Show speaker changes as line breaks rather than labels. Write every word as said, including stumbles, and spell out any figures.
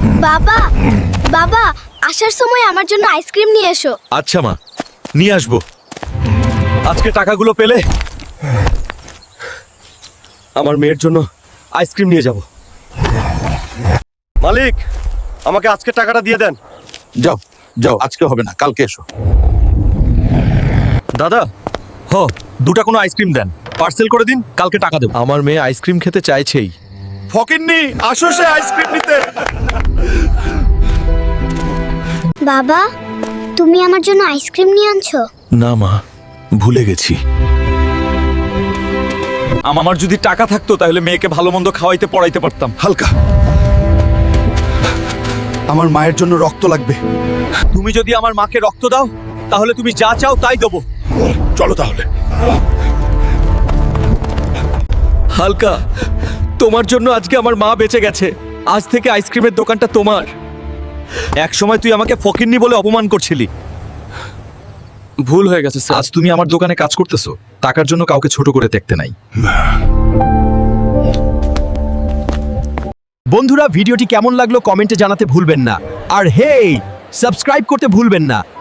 বাবা বাবা আসার সময় আমার জন্য আইসক্রিম নিয়ে এসো।
আচ্ছা মা, নিয়ে আসবো। আজকে টাকাগুলো পেলে আমার মেয়ের জন্য আইসক্রিম নিয়ে যাব। মালিক, আমাকে আজকে টাকাটা দিয়ে দেন।
যাও যাও, আজকে হবে না, কালকে এসো।
দাদা, হ দুটা কোনো আইসক্রিম দেন, পার্সেল করে দিন, কালকে টাকা দেব। আমার মেয়ে আইসক্রিম খেতে চাইছেই। ফকিন্নি, আসো সে আইসক্রিম নিতে।
বাবা তুমি আমার জন্য আইসক্রিম নিয়ে আনছো?
না মা, ভুলে গেছি। আমার যদি টাকা থাকতো তাহলে মেয়েকে ভালো মন্দ খাওয়াইতে পড়াইতে পারতাম।
হালকা, আমার মায়ের জন্য রক্ত লাগবে।
তুমি যদি আমার মাকে রক্ত দাও তাহলে তুমি যা চাও তাই দেবো।
চলো তাহলে।
হালকা, তোমার জন্য আজকে আমার মা বেঁচে গেছে। আজ থেকে আইসক্রিমের দোকানটা তোমার। এক সময় তুই আমাকে ফকিন্নি বলে অপমান করছিলি। ভুল হয়ে গেছে স্যার। আজ তুমি আমার দোকানে কাজ করতেছো, টাকার জন্য কাউকে ছোট করে দেখতে নাই।
বন্ধুরা, ভিডিওটি কেমন লাগলো কমেন্টে জানাতে ভুলবেন না। আর হেই, সাবস্ক্রাইব করতে ভুলবেন না।